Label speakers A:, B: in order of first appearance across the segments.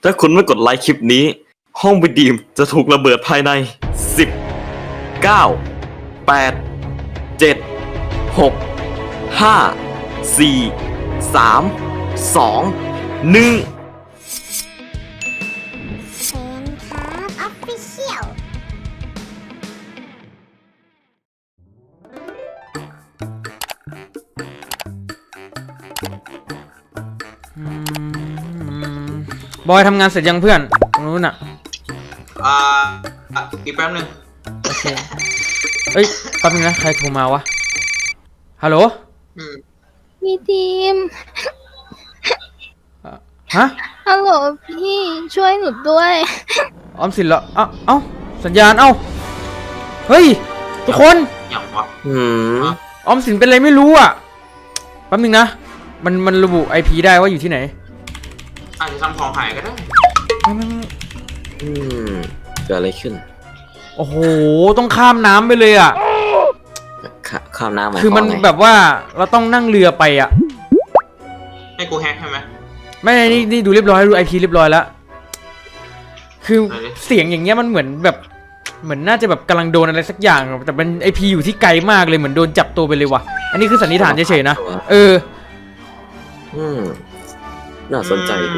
A: ถ้าคุณไม่กดไลค์คลิปนี้ห้องวิดีมจะถูกระเบิดภายใน10 9 8 7 6 5 4 3 2 1
B: เชนครับออฟฟิเชียล
C: บอยทำงานเสร็จยังเพื่อนตรงนู้นอ่ะ
D: อีกแป๊บนึง
C: โอเคเอ้ยแป๊บนึงนะใครโทรมาวะฮัลโหล
B: พี่ทีม
C: ฮะ
B: ฮัลโหลพี่ช่วยหนูด้วย
C: ออมสินเหรอเอ้าสัญญาณเอ้าเฮ้ยทุกคน
D: อย่างวะ
C: ออมสินเป็นอะไรไม่รู้อ่ะแป๊บนึงนะมันระบุ IP ได้ว่าอยู่ที่ไหน
D: อาจจะทำของหายก็ได้
C: ไม่
A: เกิดอะไรขึ้น
C: โอ้โหต้องข้ามน้ำไปเลยอ่ะ
A: ข้ามน้ำหมาย
C: คือมัน
A: วาไง
C: แบบว่าเราต้องนั่งเรือไปอ่ะ
D: ให้กูแฮกใช่ไหม
C: ไม่นี่ดูเรียบร้อยดู IP เรียบร้อยแล้วคือเสียงอย่างเงี้ยมันเหมือนแบบเหมือนน่าจะแบบกำลังโดนอะไรสักอย่างแต่เป็น IP อยู่ที่ไกลมากเลยเหมือนโดนจับตัวไปเลยว่ะอันนี้คือสันนิษฐานเฉยๆนะ
A: น่าสนใจดี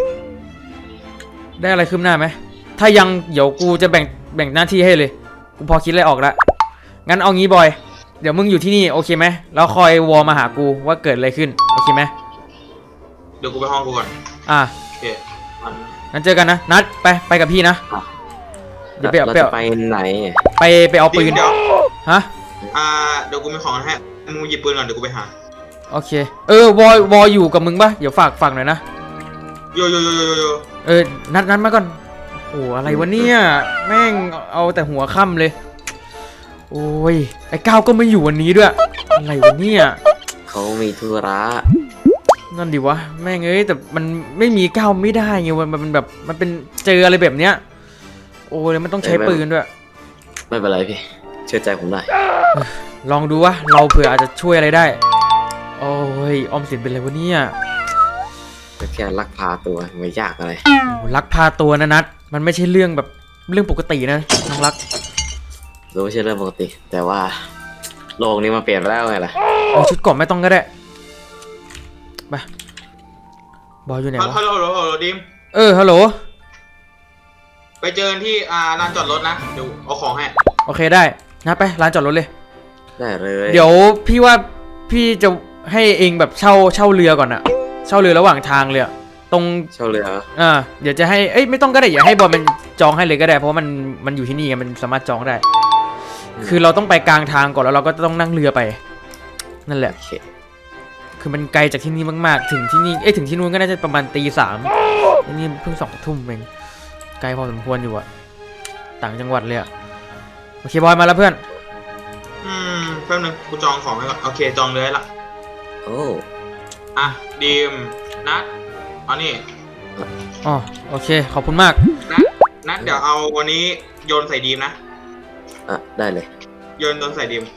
C: ได้อะไรคืบหน้าไหมถ้ายังเดี๋ยวกูจะแบ่งหน้าที่ให้เลยกูพอคิดอะไรออกแล้วงั้นเอางี้บอยเดี๋ยวมึงอยู่ที่นี่โอเคไหมแล้วคอยวอลมาหากูว่าเกิดอะไรขึ้นโอเคไหม
D: เดี๋ยวกูไปห้องกูก่อน โอเคมัน
C: งั้นเจอกันนะนัดไปกับพี่นะเดี๋ยว
A: เราจะไปไหน
C: ไปเอาปืน
D: เดี๋ยว
C: ฮะ
D: เดี๋ยวกูมีของให้มึงหยิบปืนก่อนเดี๋ยวกูไปหา
C: โอเควออยู่กับมึงปะเดี๋ยวฝากหน่อยนะ
D: โย
C: นัดมาก่อนโอ้อะไรวะเนี่ยแม่งเอาแต่หัวค่ำเลยโอ้ยไอ้ก้าวก็ไม่อยู่วันนี้ด้วยอะไรวะเนี่ย
A: เขามีธุระ
C: นั่นดิวะแม่งเอ้ยแต่มันไม่มีก้าวไม่ได้ไงมันแบบมันเป็นเจออะไรแบบเนี้ยโอ้ยมันต้องใช้ปืนด้วย
A: ไม่เป็นไรพี่เชื่อใจผมได้
C: ลองดูวะเราเผื่ออาจจะช่วยอะไรได้โอ้ยออมสินเป็นอะไรวะเนี่ย
A: ก็แค่ลักพาตัวไม่ยากอะไร
C: ลักพาตัวนะนัดมันไม่ใช่เรื่องแบบเรื่องปกตินะน้องรัก
A: รู้ไม่ใช่เรื่องปกติ แต่ว่าโลกนี้มันเปลี่ยนไปแล้วไงล่ะ
C: เอาชุดเกราะไม่ต้องก็ได้ไปบอยอยู่ไหนวะ
D: ฮัลโหลดิม
C: ฮัลโหล
D: ไปเจอกันที่ลานจอดรถนะเดี๋ยวเอาของให้
C: โอเคได้นะไปร้านจอดรถเลย
A: ได้เลย
C: เดี๋ยวพี่ว่าพี่จะให้เองแบบเช่าเรือก่อนอะเช่าเรือระหว่างทางเลยอะตรง
A: เช่าเรือ
C: เดี๋ยวจะให้ไม่ต้องก็ได้อย่าให้บอลมันจองให้เลยก็ได้เพราะว่ามันอยู่ที่นี่ไงมันสามารถจองได้ คือเราต้องไปกลางทางก่อนแล้วเราก็ต้องนั่งเรือไปนั่นแหละ
A: โอเค
C: คือมันไกลจากที่นี่มากๆถึงที่นี่ถึงที่นู้นก็น่าจะประมาณตี 3นี่เพิ่ง2 ทุ่มเองไกลพอสมควรอยู่อะต่างจังหวัดเลยอะโอเคบอยมาแล้วเพื่อน
D: แป๊บนึงกูจองของให้ก่อนโอเคจองเลยละ
A: โอ้
D: ดิมนัดเอานี่
C: อ๋อโอเคขอบคุณมาก
D: นัดเดี๋ยวเอาวันนี้โยนใส่ดีมนะ
A: ได้เลย
D: โยนใส่ดีม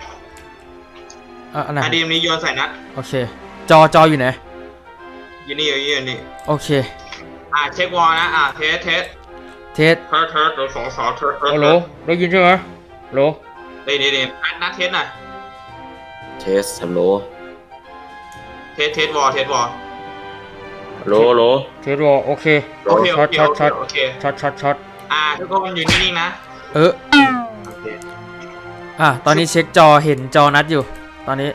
C: อันไหน
D: ดีมนี้โยนใส่นัด
C: โอเคจออยู่ไหน
D: อยู่นี่
C: โอเค
D: เช็ควอลนะเทส
C: เทส
D: เดี๋ยวสองเทส
C: ฮัลโหลได้ยินใช่ไหมฮัลโหล
D: เดี๋ยวนัดเทสหน่อย
A: เทสฮัลโหล
D: เทสวอล
A: โหล
C: เทสวอโอเค
D: โอเค
C: ช็อต
D: ทุกคนอยู่นิ่งๆนะโอเค
C: ตอนนี้เช็คจอเห็นจอนัดอยู่ตอนนี้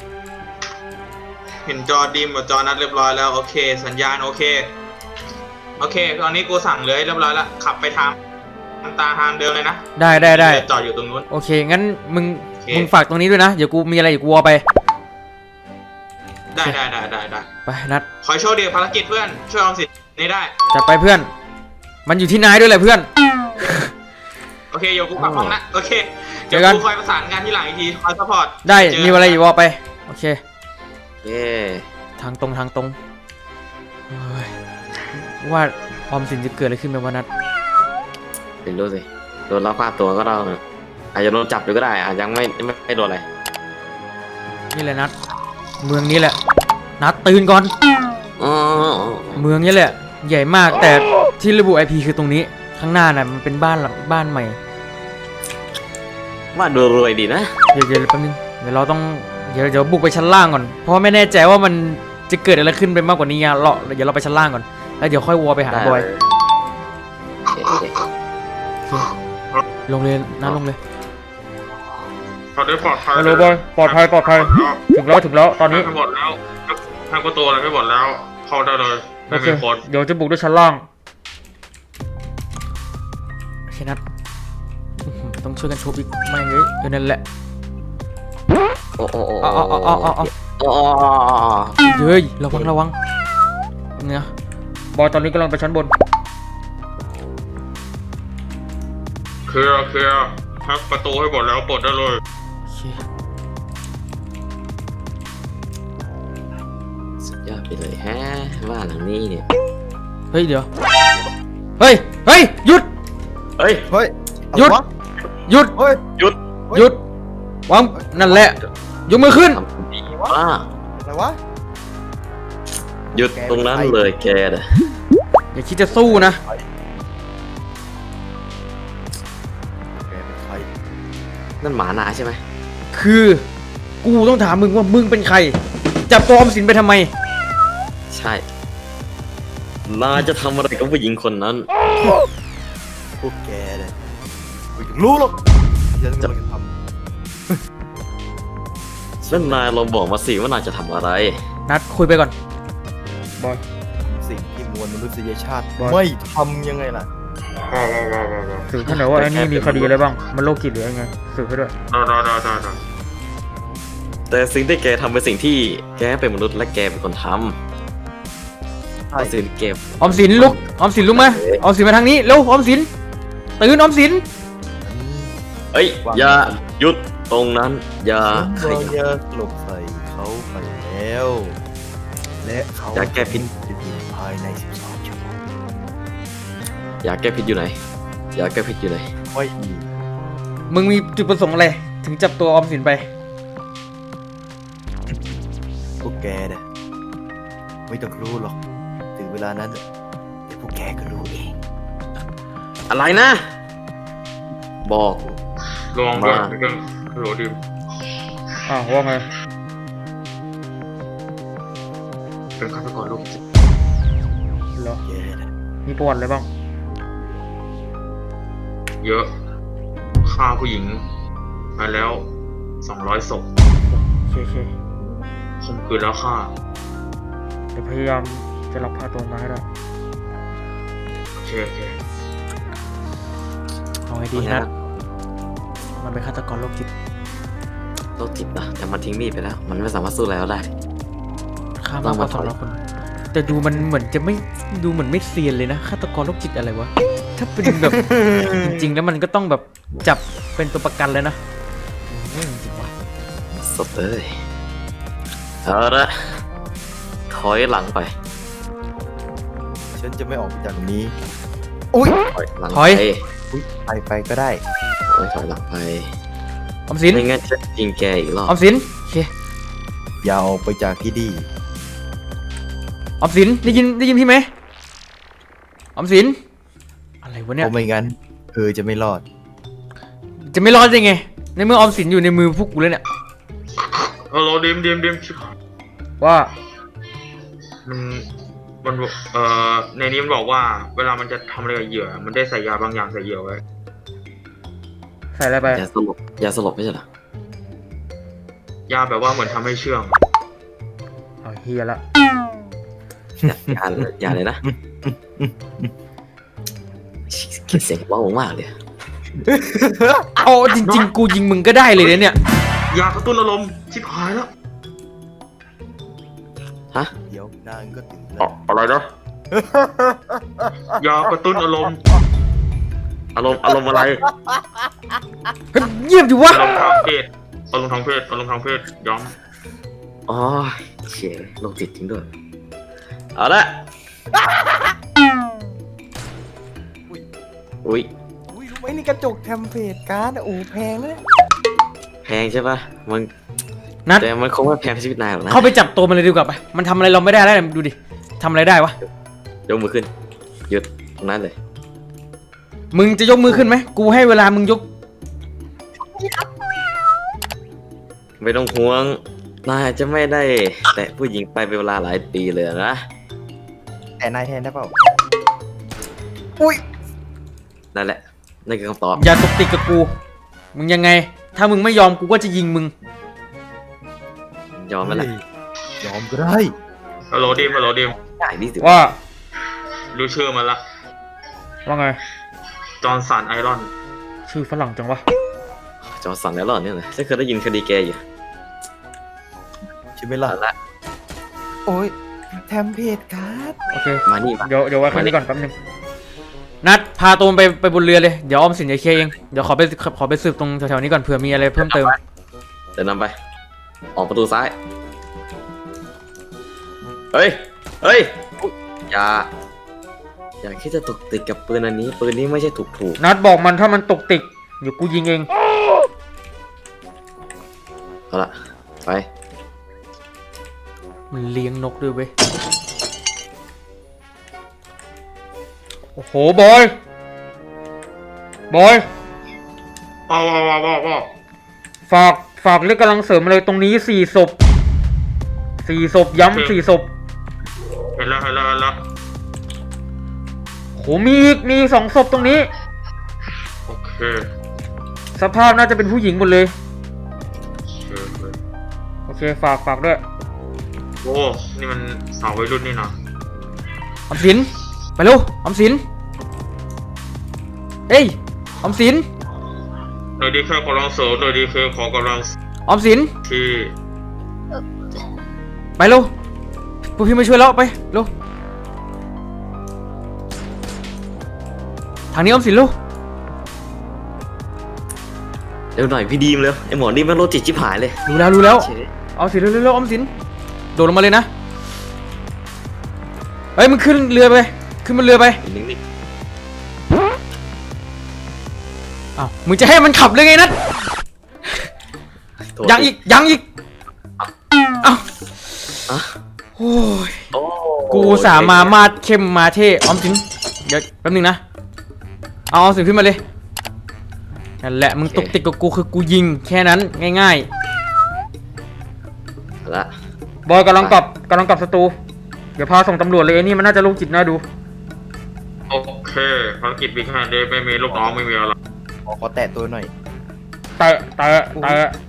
D: เห็นจอดีมกับจอนัดเรียบร้อยแล้วโอเคสัญญาณโอเคตอนนี้กูสั่งเลยเรียบร้อยแล้วขับไปทางเดิมเลยนะ
C: ได้
D: จอดอยู่ตรงนู้น
C: โอเคงั้นมึง
D: โอเค
C: ฝากตรงนี้ด้วยนะเดี๋ยวกูมีอะไรเดี๋ยวกูเอาไป
D: ได้
C: ไปนัด
D: ขอโชคดีภารกิจเพื่อนช่วยออมสินนี้ได้
C: จัดไปเพื่อน มันอยู่ที่นายด้วยแหละเพื่อน
D: โอเคเดี๋ยวกูกลับห้องนะโอเค
C: เจ
D: เดี๋ย
C: อ
D: ว
C: กัน
D: กูคอยประสานงานที่หลังอีกทีคอยซัพพอร์ต
C: ได้มีอะไรอยู่ว่าไปโอเค
A: เย้
C: ทางตรงเฮ้ยว่าออมสินจะเกิดอะไรขึ้นไหมวะนัด
A: เป็นรู้สิโดนลักพาตัวก็เราอาจจะโดนจับอยู่ก็ได้อาจยังไม่โดนอะไร
C: นี่แหละนัดเมืองนี้แหละนัดตื่นก่อน
A: อ๋อ
C: เมืองนี้แหละใหญ่มากแต่ที่ระบุ IP คือตรงนี้ข้างหน้าน่ะมันเป็นบ้านหลังบ้านใหม่
A: ว่าดูรวยดีนะ
C: เดี๋ยวแป๊บนึงเดี๋ยวเราต้องเดี๋ยวบุกไปชั้นล่างก่อนเพราะว่าไม่แน่ใจว่ามันจะเกิดอะไรขึ้นไปมากกว่านี้ไงเดี๋ยวเราไปชั้นล่างก่อนแล้วเดี๋ยวค่อยวอลไปหาบอย
A: โอเค
C: ลงเลยนะลงเลย
D: ตอนนี้ปลอดภัย
C: ฮัลโหลบอยปลอดภัยถึงแล้วตอนนี้
D: ให้หมดแล้วทางประตูอะไรไม่หมดแล้ว เข้าได้เลย
C: โอ
D: ไม่
C: เค
D: มีคน
C: เดี๋ยวจะบุกด้วยชั้นล่างโอเคนัดต้องช่วยกันชุบอีกไม่เงยนั่นแหละ
A: โอ้โอ้โอ้
C: เอา
A: โอ้
C: เฮ้ยระวังเนี่ยบอยตอนนี้กำลังไปชั้นบน
D: เคลียร์ทักประตูให้หมดแล้วปลดได้เลย
C: โอเค
A: สุดยอดไปเลยฮะบ้านหลังนี้เนี่ย
C: เฮ้ยเดี๋ยวเฮ้ยหยุด
A: เฮ้ย
E: เฮ้ย
C: หยุด
E: อะไรวะ
C: หยุด
E: เฮ้ย
A: หยุด
C: หยุดวางนั่นแหละยกมือขึ้น
A: ทำดีมาก
E: อะไรวะ
A: หยุดตรงนั้นเลยแกน่ะ
C: อย่าคิดจะสู้นะ
E: แกเป็นใคร
A: นั่นหมานาใช่ไหม
C: คือกูต้องถามมึงว่ามึงเป็นใครจับตัวออมสินไปทำไม
A: ใช่นายจะทำอะไรกับผู้หญิงคนนั้น
E: พวกแกเลยกูยังรู้หรอกฉันกำลังจะท
A: นั่นนายลองบอกมาสิว่านายจะทำอะไร
C: นัดคุยไปก่อนบอย
E: ำสิ่งที่มวลมนุษยชาติ
C: บอย
E: ไม่ทำยังไงล่ะ
C: สืบให้หน่อยว่าไอ้นี่มีคดีอะไรบ้างมันโรคจิตหรือยังไงสืบให้ด้วย
D: ได้
A: แต่สิ่งที่แกทำเป็นสิ่งที่แกเป็นมนุษย์และแกเป็นคนทำเอาสิ่งที่แก
C: ออมสินลุกออมสินลุกมาออมสินมาทางนี้เร็วออมสินตื่นออมสิน
A: เอ้ยอย่าหยุดตรงนั้นอย่าข
E: ฉัน
A: ยับ
E: จะหลบใส่เขาไปแล้ว และเขา
A: อย่าแก้ผิด
E: จะบินภายใน12 ชั่วโมง
A: อย่าแก้ผิดอยู่ไหนอย่าแก้ผิดอยู่ไหน
E: ไม่มี
C: มึงมีจุดประสงค์อะไรถึงจับตัวออมสินไป
E: พวกแกเนี่ยไม่ต้องรู้หรอกถึงเวลานั้นเดี๋ยวพวกแกก็รู้เอง
A: อะไรนะ บอก
D: ลองด้วยฮัลโหลดิม
C: ว่าไง
D: เป็นฆาตกรโรคจิต
C: เหรอ
E: แกเนี่ย
C: มีประวัติอะไรบ้าง
D: เยอะฆ่าผู้หญิงมาแล้ว200 ศพ
C: โอเค
D: ข่มขืนแล้วฆ่า
C: เดี๋ยวพยายามจะรับพาตัวมาให้ได้
D: โอเค
C: เอาไงดีนัดมันเป็นฆาตกรโรคจิต
A: โรคจิตนะแต่มันทิ้งมีดไปแล้ว มันไม่สามารถสู้แล้วได้
C: ฆ่ามากกว่า200 คน แต่ดูมันเหมือนจะไม่ดูเหมือนไม่เซียนเลยนะฆาตกรโรคจิตอะไรวะถ้าเป็นแบบ จริงๆแล้วมันก็ต้องแบบจับเป็นตัวประกันเลยนะจริงวะ
A: สดเลยเอาละถอยหลังไป
E: ฉันจะไม่ออกไปจากตรงนี้อุ้ย
A: ถอยหลัง
C: ถอย
A: ไป
E: อุ้ยไปก็ได้
A: ถอยหลังไป
C: ออมสิน
A: ไม่งั้นจะยิงแกอีกรอบ
C: ออมสินโอเค
E: อย่าออกไปจากที่นี่
C: ออมสินได้ยินพี่ไหมออมสินอะไรวะ
E: เพ
C: เนี่ย
E: ราะไม่งั้นเธอจะไม่รอด
C: จะไม่รอดได้ไงในเมื่อออมสินอยู่ในมือพวกกูแล้วเนี่ย
D: ฮัลโหลดิมชิบหาย
C: ว่า
D: มันในนี้มันบอกว่า เวลามันจะทำอะไรกับเหยื่อ มันได้ใส่ยาบางอย่างใส่เหยื่อไว้
C: ใส่อะไรไป
A: อย่าสลบไม่ใช่เหรอย
D: าแบบว่าเหมือนทำให้เชื่อง
C: เอาเฮียละ
A: อย่าเลยนะเกลียดเสียงเบามากเลย
C: เอาจริงๆกูยิงมึงก็ได้เลยเนี่ย
D: ยากระตุ้นอารมณ์ชิบหายแล้ว
A: ฮะ
E: เดี๋ยวนางก็ถึงแล้
D: อ๋อ
E: ว
D: อะไรนะ ยากระตุ้นอารมณ์
A: อารมณ์อะไร
C: เฮ้ยเยี่ยมดิวะ
D: อารมณ์ทางเพศอารมณ์ทางเพศย้อม
A: อ๋อเชี่ยโรคจิตจริงด้วยเอาละอุ้ย
E: อุ้ยรู้ไหมนี่กระจกเทมเพลตการ์ดอะโอ้แพงนะเนี่ย
A: แพงใช่ปะมัน
C: นัด
A: แต่มันคงไม่แพงชีวิตนายหรอกนะ
C: เข้าไปจับตัวมันเลยดีกว่าไปมันทำอะไรเราไม่ได้แล้วดูดิทำอะไรได้วะ
A: ยกมือขึ้นหยุดตรงนั้นเลย
C: มึงจะยกมือขึ้นไหมกูให้เวลามึงยก
A: ไม่ต้องห่วงนายจะไม่ได้ แต่ผู้หญิงไปเป็นเวลาหลายปีเลยนะ
E: แต่นายแทนได้เปล่า อุ้ย
A: นั่นแหละนั่นคือคำตอบ
C: อย่าตกติดกับกู มึงยังไง ถ้ามึงไม่ยอมกูก็จะยิงมึง
A: ยอมไหมล่ะ
E: ยอมก็ได้
D: ฮัลโหลดิมฮัลโหลดิม
A: ได้ดิสิ
C: ว่า
D: รู้ชื่อมันละ
C: ว่าไง
D: จอห์นสันไอรอน
C: ชื่อฝรั่งจังวะ
A: จอสั่งแล้วหรอเนี่ยนะฉันเคยได้ยินคดีแกอยู่
E: ใช่ไหมล่ะ
A: เอาละ
E: โอ้ยแทมเพจครับ
C: โอเค
A: มานี่มา
C: เดี๋ยวไว้แค่นี้ก่อนแป๊บนึง นัดพาตัวมันไปบนเรือเลย เดี๋ยวออมสินจะเคลียร์เอง เดี๋ยวขอไปสืบตรงแถวๆนี้ก่อนเผื่อมีอะไรเพิ่มเติม
A: เดินนำไป ออกประตูซ้าย เฮ้ย เฮ้ย อย่าคิดจะตกติดกับปืนอันนี้ ปืนนี้ไม่ใช่ถูก
C: นัดบอกมันถ้ามันตกติกเดี๋ยวกูยิงเอง
A: เอาละไป
C: มันเลี้ยงนกด้วยเว้ย โอ้โหบอย
D: ว้าว
C: ฝากเรียกกำลังเสริมอะไรตรงนี้4 ศพ 4 ศพย้ำ4 ศพ
D: เห็นแล้ว
C: โหมีอีก2 ศพตรงนี้
D: โอเค
C: สภาพน่าจะเป็นผู้หญิงหมดเลย โอเคฝากด้วย
D: โอ้ นี่มันสาววัยรุ่นนี่นะ
C: ออมสินไปเร็วออมสินเอ้ยออมสิน
D: โดยดีแค่กำลังเสริมโดยดีแค่ขอกำลัง
C: ออมสิน
D: ที่
C: ไปเร็วพวกพี่มาช่วยแล้วไปเร็วทางนี้ออมสินเร็ว
A: เร็วหน่อยพี่ดีมเร็ว ไอหมอนี่มันโรคจิตชิบหายเลย
C: รู้แล้ว
A: เฉย
C: ออมสินเร็วออมสินโดดลงมาเลยนะเฮ้ยมึงขึ้นบนเรือไป
A: นิ่ง
C: อ้าวมึงจะให้มันขับเลยไงนัด
A: ๆโทษ
C: ยังอีกอ้าว
A: อ่ะ
C: โอ้ย
A: โอ้
C: กูสามาดเข้มมาเท่ออมสินเดี๋ยวแป๊บนึงนะเอาออมสินขึ้นมาเลยนั่นแหละมึงตกติดกับกูคือกูยิงแค่นั้นง่าย
A: เอาละ
C: ๆบอยกำลังกลับสตูเดี๋ยวพาส่งตำรวจเลยไอ้นี่มันน่าจะโรคจิตน่าดู
D: โอเคภารกิจบิ๊กแฮนด์ไม่มีลูกน้องไม่มีอะไร
E: ขอแตะตัวหน่อย
C: เตะ